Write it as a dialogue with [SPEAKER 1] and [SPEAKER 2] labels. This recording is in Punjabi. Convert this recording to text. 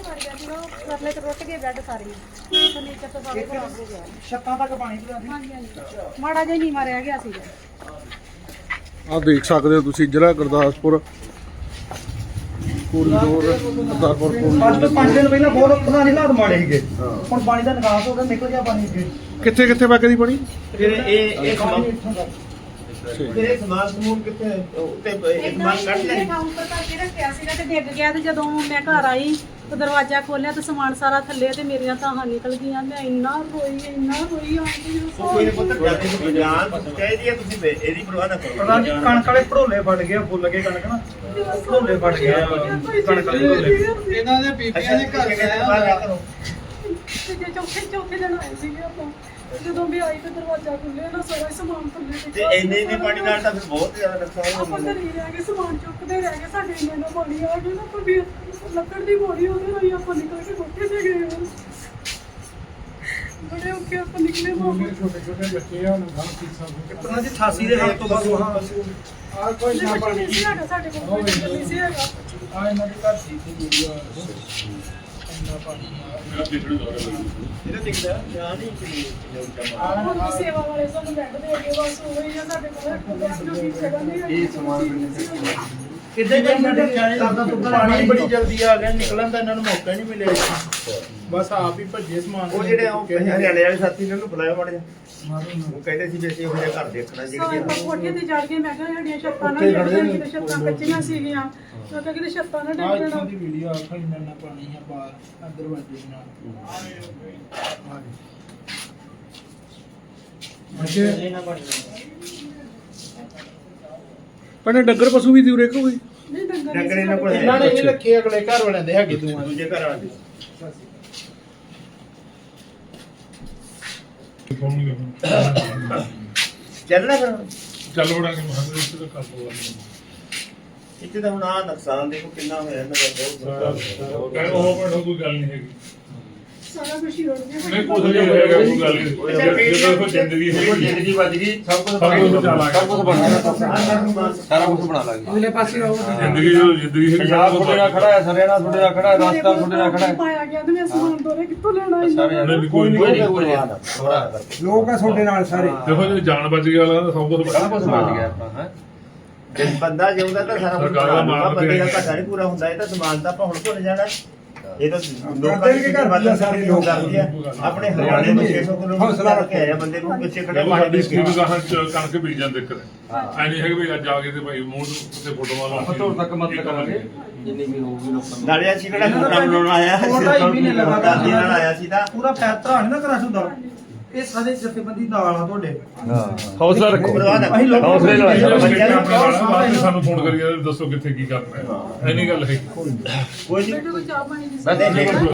[SPEAKER 1] ਸੜ ਗਿਆ ਸੀ ਉਹ ਕਰਲੇ ਤੇ ਰੁੱਟ ਗਏ ਬੈੱਡ ਸਾਰੇ ਫਰਨੀਚਰ ਤੋਂ ਸਾਰੇ ਖਰਾਬ ਹੋ ਗਿਆ
[SPEAKER 2] ਛੱਤਾਂ ਤੱਕ ਪਾਣੀ ਪਿਆ ਸੀ।
[SPEAKER 1] ਹਾਂਜੀ ਹਾਂਜੀ ਮਾੜਾ ਜਿਹਾ ਨੀਵਾਂ ਰਹਿ ਗਿਆ ਸੀਗਾ।
[SPEAKER 3] ਆਹ ਦੇਖ ਸਕਦੇ ਹੋ ਤੁਸੀਂ ਜ਼ਿਲ੍ਹਾ ਗੁਰਦਾਸਪੁਰ ਕੋਰੀਡੋਰ ਗੁਰਦਾਸਪੁਰ
[SPEAKER 2] ਅੱਜ ਤੋਂ 5 ਦਿਨ ਪਹਿਲਾਂ ਬਹੁਤ ਪੁਰਾਣੇ ਹਾਲਾਤ ਮਾੜੇ ਸੀਗੇ। ਹੁਣ ਪਾਣੀ ਦਾ ਨਿਕਾਸ ਹੋ ਗਿਆ, ਨਿਕਲ ਗਿਆ ਪਾਣੀ ਅੱਗੇ।
[SPEAKER 3] ਕਿੱਥੇ ਕਿੱਥੇ ਵਗਦੀ ਪਾਣੀ
[SPEAKER 4] ਫਿਰ ਇਹ
[SPEAKER 2] ਪਾਣੀ ਇੱਥੋਂ ਤੱਕ।
[SPEAKER 4] ਫਿਰ ਇਹ ਸਮਾਨ ਸਮੂਨ ਕਿੱਥੇ ਉੱਤੇ ਇਹ ਸਮਾਨ ਕੱਢ ਲੈ
[SPEAKER 1] ਕਾਊਂਟਰ ਕਰਕੇ ਰੱਖਿਆ ਸੀਗਾ ਤੇ ਡਿੱਗ ਗਿਆ ਤੇ ਜਦੋਂ ਮੈਂ ਘਰ ਆਈ ਤੇ ਦਰਵਾਜ਼ਾ ਖੋਲਿਆ ਤੇ ਸਮਾਨ ਸਾਰਾ ਥੱਲੇ ਤੇ ਮੇਰੀਆਂ ਤਾਹਾਂ ਨਿਕਲ ਗਈਆਂ। ਮੈਂ ਇੰਨਾ ਰੋਈ ਆਂਟੀ
[SPEAKER 4] ਕੋਈ ਨਹੀਂ ਪੁੱਤ ਜਾਨ ਜਾਨ ਚਾਹੀਦੀ ਹੈ ਤੁਸੀਂ ਇਹਦੀ ਪਰਵਾਹ ਨਾ ਕਰੋ।
[SPEAKER 2] ਪਤਾ ਨਹੀਂ ਕਣਕ ਵਾਲੇ ਭੜੋਲੇ ਫਟ ਗਏ, ਫੁੱਲ ਗਏ ਕਣਕ ਨਾ, ਭੜੋਲੇ ਫਟ ਗਏ ਕਣਕ ਵਾਲੇ ਭੜੋਲੇ।
[SPEAKER 5] ਇਹਨਾਂ ਦੇ ਬੀਬੀਆਂ ਦੇ ਘਰ ਗਿਆ
[SPEAKER 1] ਤੇ ਚੌਥੇ ਦਿਨ ਆਏ ਸੀਗੇ ਆਪਾਂ ਜਦੋਂ ਵੀ ਆਈ ਤੇ ਦਰਵਾਜ਼ਾ ਖੁੱਲਿਆ ਨਾ ਸਾਰਾ ਸਮਾਨ ਥੱਲੇ
[SPEAKER 4] ਤੇ ਇੰਨੇ ਪਾਣੀ ਨਾਲ ਤਾਂ ਫਿਰ ਬਹੁਤ ਜ਼ਿਆਦਾ ਨੁਕਸਾਨ ਹੋ
[SPEAKER 1] ਆਪਾਂ
[SPEAKER 4] ਜਾਂਦਾ।
[SPEAKER 1] ਘਰੇ ਰਹਿ ਕੇ ਸਮਾਨ ਚੁੱਕਦੇ ਰਹਿ ਗਏ, ਸਾਡੇ ਇੰਨਾ ਪਾਣੀ ਆ ਗਿਆ ਨਾ ਕੋਈ ਲੱਕੜ ਦੀ ਬੋਰੀ ਉਹਦੇ ਨਾਲ ਹੀ ਆਪਾਂ ਨਿਕਲ ਕੇ ਕੋਠੇ ਤੇ ਗਏ ਹਾਂ। ਬੜੇ ਔਖੇ ਆਪਾਂ ਨਿਕਲੇ ਮਾਮਾ
[SPEAKER 5] ਛੋਟੇ ਛੋਟੇ ਬੱਚੇ ਆ ਉਹਨਾਂ ਦਾ ਕਿਸਾ
[SPEAKER 2] ਪਤਾ ਜੀ 88 ਦੇ ਹਾਲ ਤੋਂ ਬਾਅਦ ਵਹਾਂ
[SPEAKER 5] ਆ ਕੋਈ ਨਾ
[SPEAKER 1] ਨਹੀਂ ਸੀ ਹੈਗਾ ਸਾਡੇ ਕੋਲ ਨਹੀਂ ਸੀ ਹੈਗਾ।
[SPEAKER 5] ਆ ਇਹਨਾਂ ਦੇ ਘਰ ਦੀ ਵੀਡੀਓ ਇੰਨਾ ਪਾਣੀ ਆ
[SPEAKER 4] ਇਹਦਾ ਦਿਖਦਾ ਜਾਨ ਹੀ ਕਿ
[SPEAKER 1] ਹੁਣ ਵੀ ਸੇਵਾ ਵਾਲੇ ਸਾਨੂੰ ਬੈੱਡ ਦੇ ਅੱਗੇ ਬਸ ਉਹ ਹੀ ਆ ਸਾਡੇ ਕੋਲ ਕੋਈ ਜਗ੍ਹਾ ਨਹੀਂ ਹੈਗੀ। ਇਹ ਸਮਾਨ
[SPEAKER 2] ਕਿੱਥੇ ਜਾਂਦੇ
[SPEAKER 5] ਪਾਣੀ ਬੜੀ ਜਲਦੀ ਆ ਗਿਆ, ਨਿਕਲਣ ਦਾ ਇਹਨਾਂ ਨੂੰ ਮੌਕਾ ਨਹੀਂ ਮਿਲਿਆ। ਬਸ ਆਪ ਹੀ ਭੱਜੇ ਸਮਾਨ
[SPEAKER 4] ਉਹ ਜਿਹੜੇ ਉਹ ਹਰਿਆਣੇ ਵਾਲੇ ਸਾਥੀ ਨੇ ਉਹਨੂੰ ਬੁਲਾਇਆ ਮਾੜਾ ਜਿਹਾ। ਉਹ ਕਹਿੰਦੇ ਸੀ ਵੀ ਅਸੀਂ ਉਹ ਜਿਹਾ ਘਰ ਦੇਖਣਾ
[SPEAKER 1] ਸਾਰੇ
[SPEAKER 4] ਜਿਹੜੀ
[SPEAKER 1] ਕੋਠੇ ਤੇ ਚੜ ਕੇ ਮੈਂ ਕਿਹਾ ਸਾਡੀਆਂ ਛੱਤਾਂ ਨਾ ਡਿੱਗਣ, ਕਿਤੇ ਛੱਤਾਂ ਕੱਚੀਆਂ ਸੀਗੀਆਂ ਮੈਂ ਕਿਹਾ ਕਿਤੇ ਛੱਤਾਂ ਨਾ
[SPEAKER 5] ਆ
[SPEAKER 1] ਡਿੱਗਣ।
[SPEAKER 5] ਇੱਥੋਂ ਦੀ ਵੀਡੀਓ ਆਖਾ ਇੰਨਾ ਪਾਣੀ ਆ ਬਾਹਰ ਅੰਦਰ ਵੱਜੇ ਨਾਲ
[SPEAKER 3] ਭੈਣੇ ਡੰਗਰ ਪਸ਼ੂ ਵੀ ਦੂਰੇ ਕੋਈ
[SPEAKER 1] ਨਹੀਂ ਡੰਗਰ
[SPEAKER 4] ਡੰਗਰ ਇਹਨਾਂ ਕੋਲ ਹੈ।
[SPEAKER 5] ਇਹਨਾਂ ਨੇ ਨਹੀਂ ਰੱਖੇ, ਅਗਲੇ ਘਰ ਵਾਲਿਆਂ ਦੇ ਹੈਗੇ ਦੋਵਾਂ ਦੇ।
[SPEAKER 4] ਦੂਜੇ ਘਰ ਵਾਲੇ ਦੇ। ਚੱਲਣਾ ਫਿਰ
[SPEAKER 6] ਚੱਲ ਵੜਾਂਗੇ ਮਹਾਂਦਰ ਇਸ ਤੋਂ ਕਰ ਲਵਾਂਗੇ
[SPEAKER 4] ਇੱਥੇ ਤਾਂ ਹੁਣ ਆ ਨੁਕਸਾਨ ਦੇਖੋ ਕਿੰਨਾ ਹੋਇਆ ਇਹਨਾਂ ਦਾ ਬਹੁਤ
[SPEAKER 6] ਉਹ ਪਰ ਕੋਈ ਗੱਲ ਨਹੀਂ ਹੈਗੀ।
[SPEAKER 1] ਸਾਰਾ ਕੁਝ ਹੀ ਰੁੜ ਗਿਆ।
[SPEAKER 6] ਨਹੀਂ ਕੁਝ ਨਹੀਂ ਹੋਏਗਾ, ਕੋਈ ਗੱਲ ਨਹੀਂ। ਜਦੋਂ ਕੋਈ ਜ਼ਿੰਦਗੀ ਹੈਗੀ
[SPEAKER 4] ਜ਼ਿੰਦਗੀ ਵੱਜ ਗਈ ਸਭ ਕੁਝ
[SPEAKER 6] ਸਭ ਕੁਝ ਬਚਾ ਲਾਂਗੇ।
[SPEAKER 4] ਸਾਰਾ ਕੁਝ ਬਣਾ ਲਾਂਗੇ।
[SPEAKER 5] ਅਗਲੇ ਪਾਸੇ ਆਓ
[SPEAKER 6] ਜ਼ਿੰਦਗੀ ਜਦੋਂ ਜ਼ਿੰਦਗੀ ਹੈਗੀ
[SPEAKER 4] ਪੰਜਾਬ ਤੁਹਾਡੇ ਨਾਲ ਖੜਾ ਹੈ, ਹਰਿਆਣਾ ਤੁਹਾਡੇ ਨਾਲ ਖੜਾ ਹੈ, ਰਾਜਸਥਾਨ ਤੁਹਾਡੇ ਨਾਲ ਖੜਾ ਹੈ।
[SPEAKER 1] ਪਾਇਆ ਗਿਆ ਤੇ ਮੈਂ ਸਮਾਨ ਦੋਰੇ ਕਿੱਥੋਂ ਲੈਣਾ
[SPEAKER 4] ਸਾਰੇ
[SPEAKER 1] ਇਹਨਾਂ
[SPEAKER 6] ਕੋਈ ਨਹੀਂ
[SPEAKER 2] ਲੋਕ ਆ ਤੁਹਾਡੇ ਨਾਲ ਸਾਰੇ।
[SPEAKER 6] ਦੇਖੋ ਜੇ ਜਾਨ ਬਚ ਗਈ ਵਾਲਾ ਤਾਂ ਸਭ ਕੁਝ
[SPEAKER 4] ਬੜਾ ਕੁਝ ਬਚ ਗਿਆ ਆਪਣਾ ਹੈ। ਜੇ ਬੰਦਾ ਜਿਉਂਦਾ ਤਾਂ ਸਾਰਾ ਕੁਝ
[SPEAKER 6] ਸਰਕਾਰ ਦਾ ਮਾਣ
[SPEAKER 4] ਬੰਦੇ ਦਾ
[SPEAKER 6] ਵਧੀਆ।
[SPEAKER 4] ਘਾਟਾ ਨਹੀਂ ਪੂਰਾ ਹੁੰਦਾ। ਇਹ ਤਾਂ ਸਮਾਨ ਤਾਂ ਆਪਾਂ ਹੁਣ ਭੁੱਲ ਜਾਣਾ। ਇਹ ਤਾਂ ਲੋਕਾਂ
[SPEAKER 2] ਕਰਦੇ
[SPEAKER 4] ਦੇ
[SPEAKER 2] ਵੀ ਘਰ
[SPEAKER 4] ਵੱਧ
[SPEAKER 2] ਸਾਰੇ ਲੋਕ
[SPEAKER 4] ਕਰਦੇ ਆ। ਆਪਣੇ ਹਰਿਆਣੇ ਨੂੰ 600 ਕਿਲੋਮੀਟਰ ਲਾ ਕੇ ਆਇਆ ਬੰਦੇ ਨੂੰ ਪਿੱਛੇ ਖੜੇ
[SPEAKER 6] ਜਦੋਂ
[SPEAKER 4] ਮਾਰ
[SPEAKER 6] ਸਾਡੀ
[SPEAKER 4] ਦੇ
[SPEAKER 6] ਸਕੀਮ ਗਾਹਾਂ ਚ ਕਣਕ ਬੀਜਣ ਦੇ ਕਰੇ ਐ ਨਹੀਂ ਹੈ ਕਿ ਵੀ ਅੱਜ ਆ ਕੇ ਤੇ ਭਾਈ ਮੂੰਹ ਤੇ ਫੋਟੋਆਂ ਲਾ ਕੇ
[SPEAKER 4] ਤੱਕ ਮਤ ਕਰਾਂਗੇ।
[SPEAKER 5] ਜਿੰਨੀ ਵੀ ਹੋਊਗੀ ਲੋਕਾਂ
[SPEAKER 4] ਨਾਲੇ ਅਸੀਂ ਕਿਹੜਾ ਖੋਟਾ ਬਣਾਉਣ ਆਇਆ ਨਾਲ ਆਇਆ ਸੀ ਤਾਂ
[SPEAKER 2] ਪੂਰਾ ਫੈਸਲਾ ਨਹੀਂ ਨਾ ਕਰਾ ਸੁਦਾ। ਇਹ ਸਾਰੇ ਜਥੇਬੰਦੀ ਨਾਲ ਆ ਤੁਹਾਡੇ।
[SPEAKER 4] ਹੌਸਲਾ ਰੱਖੋ।
[SPEAKER 2] ਅਸੀਂ ਲੋਕ
[SPEAKER 4] ਹੌਸਲੇ ਨਾਲ ਆਇਆ।
[SPEAKER 6] ਬੱਚਿਆਂ ਨੂੰ ਬਾਅਦ ਵਿੱਚ ਸਾਨੂੰ ਫੋਨ ਕਰੀਏ ਦੱਸੋ ਕਿੱਥੇ ਕੀ ਕਰਨਾ ਹੈ ਐ ਨਹੀਂ ਗੱਲ ਹੈ
[SPEAKER 4] ਕੋਈ ਨਹੀਂ
[SPEAKER 1] ਬੇਟੇ ਕੋਈ ਚਾਹ ਪਾਣੀ ਦੀ
[SPEAKER 4] ਬੰਦੇ